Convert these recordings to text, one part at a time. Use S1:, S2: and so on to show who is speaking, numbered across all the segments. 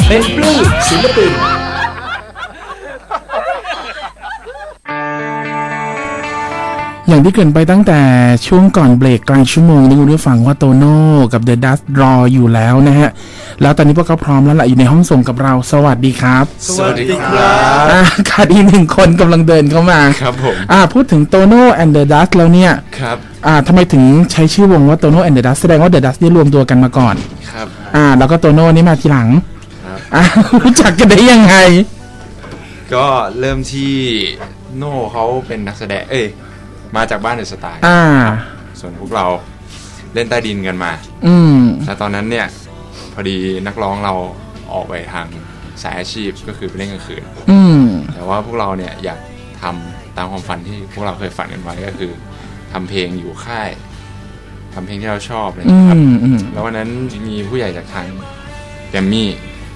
S1: เป็นปลื้มศิลปิน
S2: อย่างที่เกริ่นไปตั้งแต่ช่วงก่อนเบรกกลางชั่วโมงนี้คุณผู้ฟังว่าโตโน่กับ The Dust รออยู่แล้วนะฮะแล้วตอนนี้พวกเขาพร้อมแล้วล่ะอยู่ในห้องส่งกับเราสวัสดีครับ
S3: สวัสดีครับ
S2: ขาดอีกหนึ่งคนกำลังเดินเข้ามา
S3: ครับผม
S2: พูดถึงโตโน่ and The Dust แล้วเนี่ย
S3: ครับ
S2: ทำไมถึงใช้ชื่อวงว่าโตโน่ and The Dust แสดงว่า The Dust ได้รวมตัวกันมาก่อน
S3: ครับ
S2: แล้วก็โตโน่นี่มาทีหลัง
S3: ครับ
S2: รู้จักกันได้ยังไง
S3: ก็เริ่มที่โน่เขาเป็นนักแสดงมาจากบ้านเดอะสไตล์ส่วนพวกเราเล่นใต้ดินกันมาแต่ตอนนั้นเนี่ยพอดีนักร้องเราออกไปทางสายอาชีพก็คือไปเล่นกลางคืนแต่ว่าพวกเราเนี่ยอยากทำตามความฝันที่พวกเราเคยฝันกันไว้ก็คือทำเพลงอยู่ค่ายทำเพลงที่เราชอบเลยครับแล้ววันนั้นมีผู้ใหญ่จากทางแกรมมี่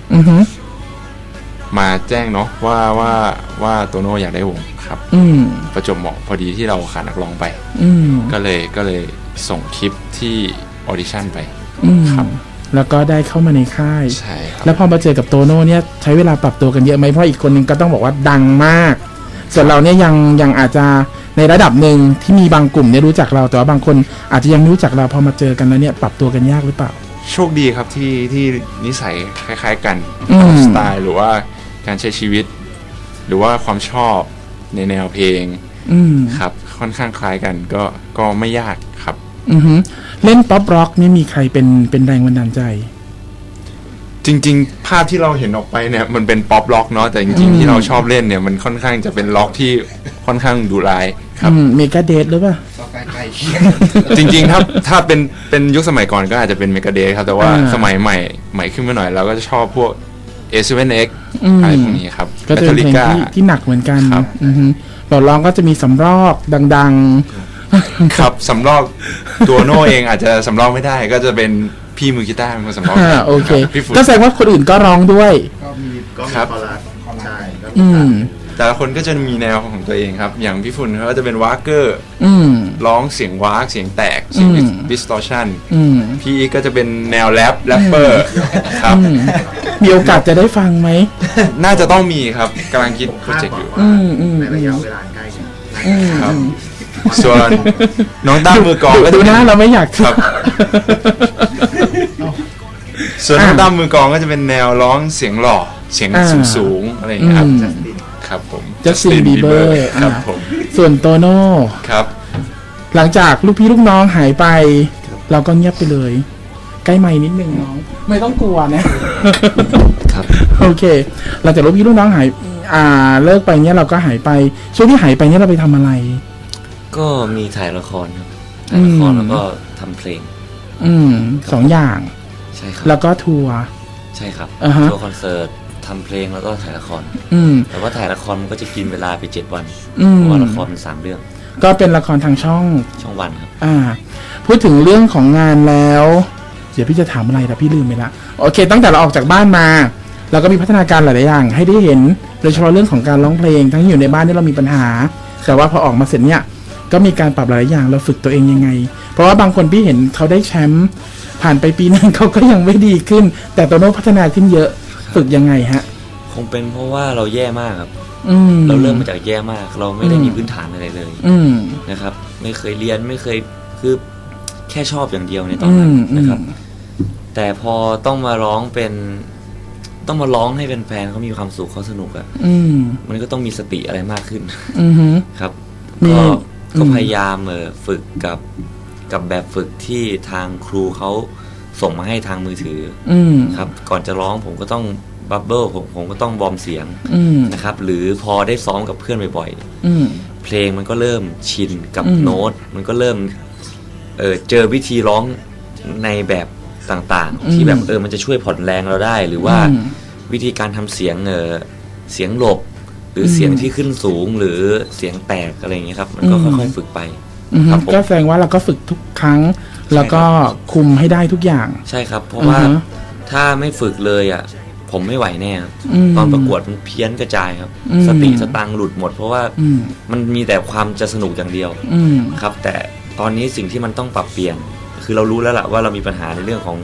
S3: มาแจ้งเนาะว่าโตโน่อยากได้วงครับประจวบเหมาะพอดีที่เราขาดนักร้องไปก็เลยส่งคลิปที่ออดิชั่นไปครับ
S2: แล้วก็ได้เข้ามาในค่าย
S3: ใช่ครับ
S2: แล้วพอมาเจอกับโตโน่เนี่ยใช้เวลาปรับตัวกันเยอะไหมเพราะอีกคนนึงก็ต้องบอกว่าดังมากส่วนเราเนี่ยยังอาจจะในระดับหนึ่งที่มีบางกลุ่มเนี่ยรู้จักเราแต่ว่าบางคนอาจจะยังไม่รู้จักเราพอมาเจอกันแล้วเนี่ยปรับตัวกันยากหรือเปล่า
S3: โชคดีครับที่นิสัยคล้ายๆกันสไตล์หรือว่าการใช้ชีวิตหรือว่าความชอบในแนวเพลงครับค่อนข้างคล้ายกันก็ไม่ยากครับ
S2: เล่นป๊อปร็อกนี่มีใครเป็นแรงบันดาลใจ
S3: จริงๆภาพที่เราเห็นออกไปเนี่ยมันเป็นป๊อปร็อกเนาะแต่จริงๆที่เราชอบเล่นเนี่ยมันค่อนข้างจะเป็นร็อกที่ค่อนข้างดุร้ายครับ
S2: เมกาเดทหรือเปล่า
S3: จริงๆถ้าเป็นยุคสมัยก่อนก็อาจจะเป็นเมกาเดทครับแต่ว่าสมัยใหม่ขึ้นมาหน่อยเราก็จะชอบพวกA7X อะไรพวกนี้ครับ
S2: ก็จะเป็นเพลงที่หนักเหมือนกันเราร้องก็จะมีสำรอกดัง
S3: ๆครับสำรอกตัวโน่เองอาจจะสำรอกไม่ได้ก็จะเป็นพี่มือกีตาร์เป็นคนสำรอก
S2: โอเคก็แสดงว่าคนอื่นก็ร้องด้วย
S3: ก็ครับแต่ละคนก็จะมีแนวของตัวเองครับอย่างพี่ฝุ่นเขาจะเป็นวากเกอร์ร้องเสียงวากเสียงแตกเสียงดิสตอร์ชันพี่อีกก็จะเป็นแนวแรปเปอร์ครับ
S2: มีโอกาสจะได้ฟังไหม
S3: น่าจะต้องมีครับกำลังคิดโปรเจกต์อยู่
S4: ในระยะเวลาใกล้
S3: ครับส่วนน้องตั้มมือกลองก็
S2: ดูนะเราไม่อยาก
S3: ครับส่วนน้องตั้มมือกลองก็จะเป็นแนวร้องเสียงหล่อเสียงสูงอะไรอย่างเงี้ยครับครับผม
S2: จัสตินบีเบอร์
S3: ครับผม
S2: ส่วนโตโน่
S3: ครับ
S2: หลังจากลูกพี่ลูกน้องหายไปเราก็เงียบไปเลยใกล้ไมค์นิดนึงน้องไม่ต้องกลัวนะครับโอเคหลังจากลูกพี่ลูกน้องหายเลิกไปเนี่ยเราก็หายไปช่วงที่หายไปเนี่ยเราไปทำอะไร
S5: ก็มีถ่ายละครครับถ่ายละครแล้วก็ทำเพลง
S2: 2 อย่าง
S5: ใช่ครับ
S2: แล้วก็ทัวร์
S5: ใช่ครับทัวร์คอนเสิร์ตทำเพลงแล้วก็ถ่ายละครแต่ว่าถ่ายละครมันก็จะกินเวลาไป7 วันเพราะว่าละครมัน3 เรื่อง
S2: ก็เป็นละครทางช่อง
S5: วันครับ
S2: พูดถึงเรื่องของงานแล้วเดี๋ยวพี่จะถามอะไรแต่พี่ลืมไปละโอเคตั้งแต่เราออกจากบ้านมาเราก็มีพัฒนาการหลายๆอย่างให้ได้เห็นโดยเฉพาะเรื่องของการร้องเพลงทั้งอยู่ในบ้านที่เรามีปัญหาแต่ว่าพอออกมาเสร็จเนี่ยก็มีการปรับหลายอย่างเราฝึกตัวเองยังไงเพราะว่าบางคนพี่เห็นเขาได้แชมป์ผ่านไปปีนึงเขาก็ยังไม่ดีขึ้นแต่โตโน่พัฒนาขึ้นเยอะฝึกยังไงฮะ
S5: คงเป็นเพราะว่าเราแย่มากครับเราเริ่มมาจากแย่มากเราไม่ได้มีพื้นฐานอะไรเลยนะครับไม่เคยเรียนไม่เคยคือแค่ชอบอย่างเดียวในตอนนั้นนะครับแต่พอต้องมาร้องให้เป็นแฟนเขามีความสุขเขาสนุกอ่ะมันก็ต้องมีสติอะไรมากขึ้นครับก็พยายามฝึกกับแบบฝึกที่ทางครูเขาส่งมาให้ทางมือถือครับก่อนจะร้องผมก็ต้องบับเบิ้ลผมก็ต้องวอร์มเสียงนะครับหรือพอได้ซ้อมกับเพื่อนบ่อยๆเพลงมันก็เริ่มชินกับโน้ตมันก็เริ่มเจอวิธีร้องในแบบต่างๆที่แบบมันจะช่วยผ่อนแรงเราได้หรือว่าวิธีการทำเสียงหลบหรือเสียงที่ขึ้นสูงหรือเสียงแตกอะไรอย่างเงี้ยครับมันก็ค่อยๆฝึกไป
S2: ก็แสดงว่าเราก็ฝึกทุกครั้งแล้วก็คุมให้ได้ทุกอย่าง
S5: ใช่ครับเพราะว่าถ้าไม่ฝึกเลยอ่ะผมไม่ไหวแน่ตอนประกวดมันเพี้ยนกระจายครับสติสตังค์หลุดหมดเพราะว่ามันมีแต่ความจะสนุกอย่างเดียวครับแต่ตอนนี้สิ่งที่มันต้องปรับเปลี่ยนคือเรารู้แล้วล่ะว่าเรามีปัญหาในเรื่องของเท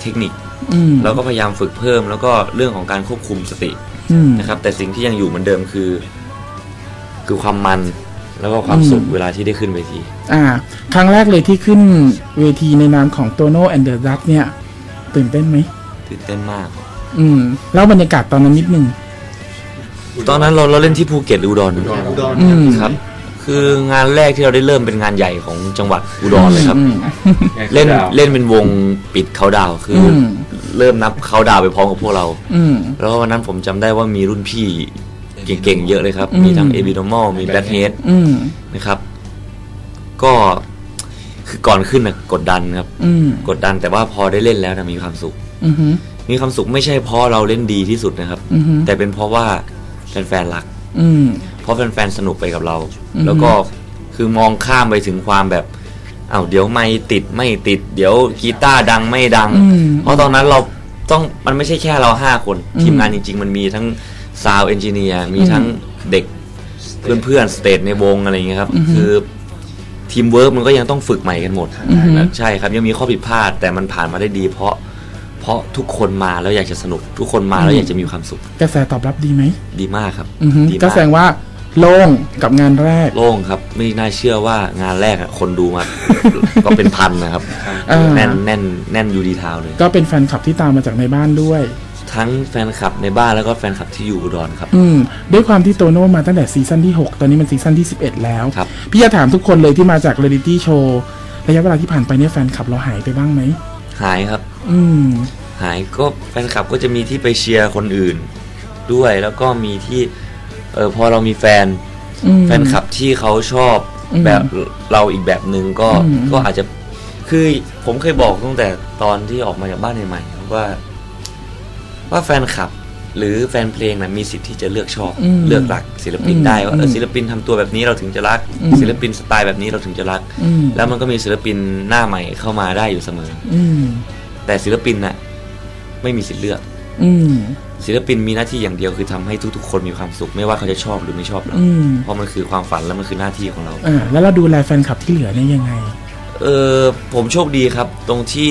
S5: เทคนิคแล้วก็พยายามฝึกเพิ่มแล้วก็เรื่องของการควบคุมสตินะครับแต่สิ่งที่ยังอยู่เหมือนเดิมคือความมันแล้วก็ความสุขเวลาที่ได้ขึ้นเวที
S2: ครั้งแรกเลยที่ขึ้นเวทีในนามของ Tono and the Duck เนี่ยตื่นเต้นไหม
S5: ตื่นเต้นมาก
S2: แล้วบรรยากาศตอนนั้นนิดนึง
S5: ตอนนั้นเราเล่นที่ภูเก็ตอุดรครับคืองานแรกที่เราได้เริ่มเป็นงานใหญ่ของจังหวัดอุดรเลยครับเล่นเป็นวงปิดเขาดาวคือเริ่มนับเขาดาวไปพร้อมกับพวกเราแล้ววันนั้นผมจำได้ว่ามีรุ่นพี่เก่งๆเยอะเลยครับมีทั้ง Abnormal มี Blackhead นะครับก็คือก่อนขึ้นนะกดดันครับกดดันแต่ว่าพอได้เล่นแล้วนะมีความสุขมีความสุขไม่ใช่เพราะเราเล่นดีที่สุดนะครับแต่เป็นเพราะว่าแฟนๆรักเพราะแฟนๆสนุกไปกับเราแล้วก็คือมองข้ามไปถึงความแบบเดี๋ยวไม่ติดเดี๋ยวกีตาร์ดังไม่ดังเพราะตอนนั้นเราต้องมันไม่ใช่แค่เรา5คนทีมงานจริงๆมันมีทั้งซาวด์เอนจิเนียร์มีทั้งเด็กเพื่อนๆสเตจในวงอะไรอย่างเงี้ยครับคือทีมเวิร์กมันก็ยังต้องฝึกใหม่กันหมดใช่ครับยังมีข้อผิดพลาดแต่มันผ่านมาได้ดีเพราะทุกคนมาแล้วอยากจะสนุกทุกคนมาแล้วอยากจะมีความสุข
S2: กระแสตอบรับดีไหม
S5: ดีมากครับ
S2: ก็แสดงว่าโล่งกับงานแรก
S5: โล่งครับไม่น่าเชื่อว่างานแรกคนดูมา ก็เป็นพันนะครับแน่นยูดีทาวเลย
S2: ก็เป็นแฟนคลับที่ตามมาจากในบ้านด้วย
S5: ทั้งแฟนคลับในบ้านแล้วก็แฟนคลับที่อยู่อุดรครับ
S2: ด้วยความที่โตโน่มาตั้งแต่ซีซั่นที่6ตอนนี้มันซีซั่นที่11แล้วพี่จะถามทุกคนเลยที่มาจากเรียลิตี้โชว์ระยะเวลาที่ผ่านไปเนี่ยแฟนคลับเราหายไปบ้างไหม
S5: หายครับหายก็แฟนคลับก็จะมีที่ไปเชียร์คนอื่นด้วยแล้วก็มีที่พอเรามีแฟนคลับที่เขาชอบแบบเราอีกแบบนึงก็อาจจะคือผมเคยบอกตั้งแต่ตอนที่ออกมาจากบ้านใหม่ๆว่าแฟนคลับหรือแฟนเพลงนะมีสิทธิ์ที่จะเลือกชอบเลือกรักศิลปินได้ว่าศิลปินทำตัวแบบนี้เราถึงจะรักศิลปินสไตล์แบบนี้เราถึงจะรักแล้วมันก็มีศิลปินหน้าใหม่เข้ามาได้อยู่เสมอแต่ศิลปินน่ะไม่มีสิทธิ์เลือกศิลปินมีหน้าที่อย่างเดียวคือทำให้ทุกๆคนมีความสุขไม่ว่าเขาจะชอบหรือไม่ชอบเราเพราะมันคือความฝันและมันคือหน้าที่ของเรา
S2: แล้วเราดูแลแฟนคลับที่เหลือเนี่ยยังไง
S5: ผมโชคดีครับตรงที่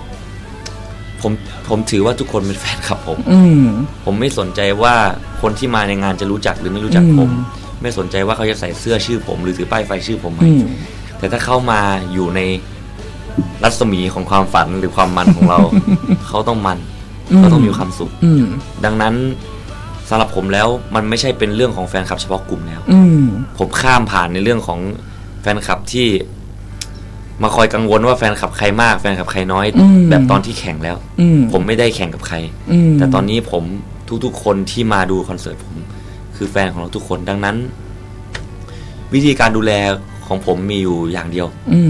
S5: ผมถือว่าทุกคนเป็นแฟนคลับผมไม่สนใจว่าคนที่มาในงานจะรู้จักหรือไม่รู้จักผมไม่สนใจว่าเขาจะใส่เสื้อชื่อผมหรือถือป้ายไฟชื่อผมไหมแต่ถ้าเข้ามาอยู่ในรัศมีของความฝันหรือความมันของเรา เขาต้องมันเขาต้องมีความสุขดังนั้นสำหรับผมแล้วมันไม่ใช่เป็นเรื่องของแฟนคลับเฉพาะกลุ่มแล้วผมข้ามผ่านในเรื่องของแฟนคลับที่มาคอยกังวลว่าแฟนคลับใครมากแฟนคลับใครน้อยแบบตอนที่แข่งแล้วผมไม่ได้แข่งกับใครแต่ตอนนี้ผมทุกๆคนที่มาดูคอนเสิร์ตผมคือแฟนของเราทุกคนดังนั้นวิธีการดูแลของผมมีอยู่อย่างเดียว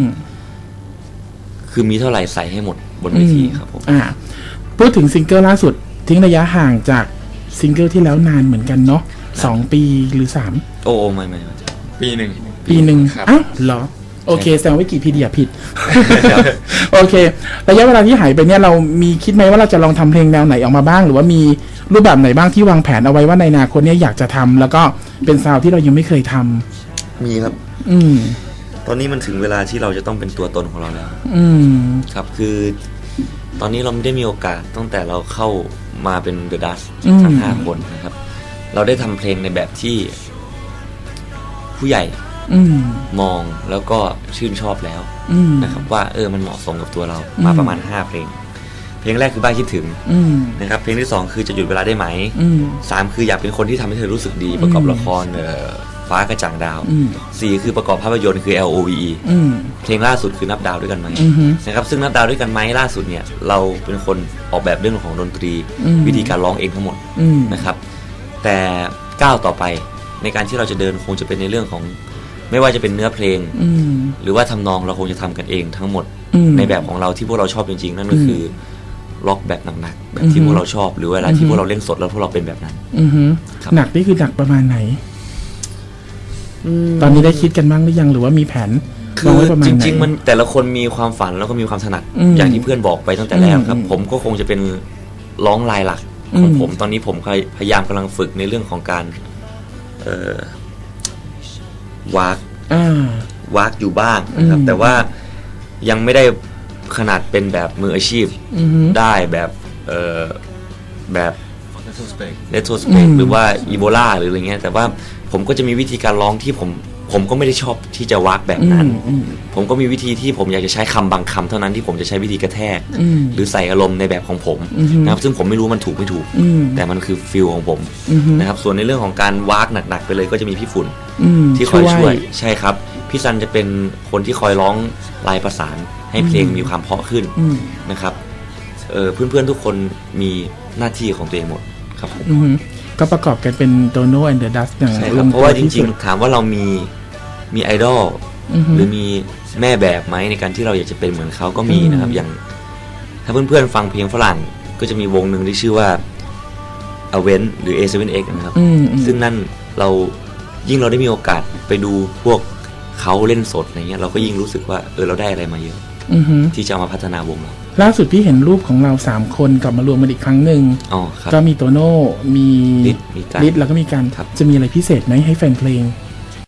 S5: คือมีเท่าไหร่ใส่ให้หมดบนเวทีครับผม
S2: พูดถึงซิงเกิลล่าสุดทิ้งระยะห่างจากซิงเกิลที่แล้วนานเหมือนกันเนาะ2 ปีหรือ3
S5: โอ้ไม่
S3: ปีหนึ่ง
S2: อ้าวเหรอโอเคแสดงว่าวิกิพีเดียผิดโอเคระยะเวลาที่หายไปเนี่ยเรามีคิดไหมว่าเราจะลองทำเพลงแนวไหนออกมาบ้างหรือว่ามีรูปแบบไหนบ้างที่วางแผนเอาไว้ว่าในอนาคตเนี่ยอยากจะทำแล้วก็เป็นซาวด์ที่เรายังไม่เคยท
S5: ำมีครับตอนนี้มันถึงเวลาที่เราจะต้องเป็นตัวตนของเราแล้วครับคือตอนนี้เราไม่ได้มีโอกาสตั้งแต่เราเข้ามาเป็น The Dust ทั้ง5 คนนะครับเราได้ทำเพลงในแบบที่ผู้ใหญ่มองแล้วก็ชื่นชอบแล้วนะครับว่ามันเหมาะสมกับตัวเรามาประมาณ5 เพลงแรกคือบ้านคิดถึงนะครับเพลงที่2คือจะหยุดเวลาได้ไหม3คืออยากเป็นคนที่ทำให้เธอรู้สึกดีประกอบละครฟ้ากระจ่างดาว4คือประกอบภาพยนตร์คือ LOVE เพลงล่าสุดคือนับดาวด้วยกันไหมนะครับซึ่งนับดาวด้วยกันไหมล่าสุดเนี่ยเราเป็นคนออกแบบเรื่องของดนตรีวิธีการร้องเองทั้งหมดนะครับแต่ก้าวต่อไปในการที่เราจะเดินคงจะเป็นในเรื่องของไม่ว่าจะเป็นเนื้อเพลงหรือว่าทำนองเราคงจะทำกันเองทั้งหมดในแบบของเราที่พวกเราชอบจริงๆนั่นก็คือล็อกแบบหนักๆแบบที่พวกเราชอบหรือเวลาที่พวกเราเล่นสดแล้วพวกเราเป็นแบบนั้น
S2: หนักนี่คือหนักประมาณไหนตอนนี้ได้คิดกันบ้างหรือยังหรือว่ามีแผน
S5: คือจริงๆมันแต่ละคนมีความฝันแล้วก็มีความถนัดอย่างที่เพื่อนบอกไปตั้งแต่แรกครับผมก็คงจะเป็นร้องลายหลักของผมตอนนี้ผมพยายามกำลังฝึกในเรื่องของการวากอยู่บ้างนะครับแต่ว่ายังไม่ได้ขนาดเป็นแบบมืออาชีพได้แบบแบบเลโทสเปกหรือว่าอีโบลาหรืออะไรเงี้ยแต่ว่าผมก็จะมีวิธีการร้องที่ผมก็ไม่ได้ชอบที่จะวักแบบนั้นผมก็มีวิธีที่ผมอยากจะใช้คำบางคำเท่านั้นที่ผมจะใช้วิธีกระแทกหรือใส่อารมณ์ในแบบของผมนะครับซึ่งผมไม่รู้มันถูกไม่ถูกแต่มันคือฟิลของผมนะครับส่วนในเรื่องของการวักหนักๆไปเลยก็จะมีพี่ฝุ่นที่คอยช่วยใช่ครับพี่ซันจะเป็นคนที่คอยร้องลายประสานให้เพลงมีความเพราะขึ้นนะครับเพื่อนๆทุกคนมีหน้าที่ของตัวเองหมดครับผม
S2: ก็ประกอบกันเป็นโตโน่แอนด์เดอะดัสอย่างลงตัวที่สุด
S5: เพราะว่าจริงๆถามว่าเรามีไอดอลหรือมีแม่แบบไหมในการที่เราอยากจะเป็นเหมือนเขาก็มีนะครับอย่างถ้าเพื่อนๆฟังเพลงฝรั่งก็จะมีวงหนึ่งที่ชื่อว่า Avent หรือ A7X นะครับซึ่งนั่นเรายิ่งเราได้มีโอกาสไปดูพวกเขาเล่นสดอะไรเงี้ยเราก็ยิ่งรู้สึกว่าเราได้อะไรมาเยอะที่จะเอามาพัฒนาวงเรา
S2: ล่าสุดพี่เห็นรูปของเรา3คนกลับมารวมกันอีกครั้งหนึ่งก็มีโตโน่มีลิศแล้วก็มีการจะมีอะไรพิเศษไหมให้แฟนเพลง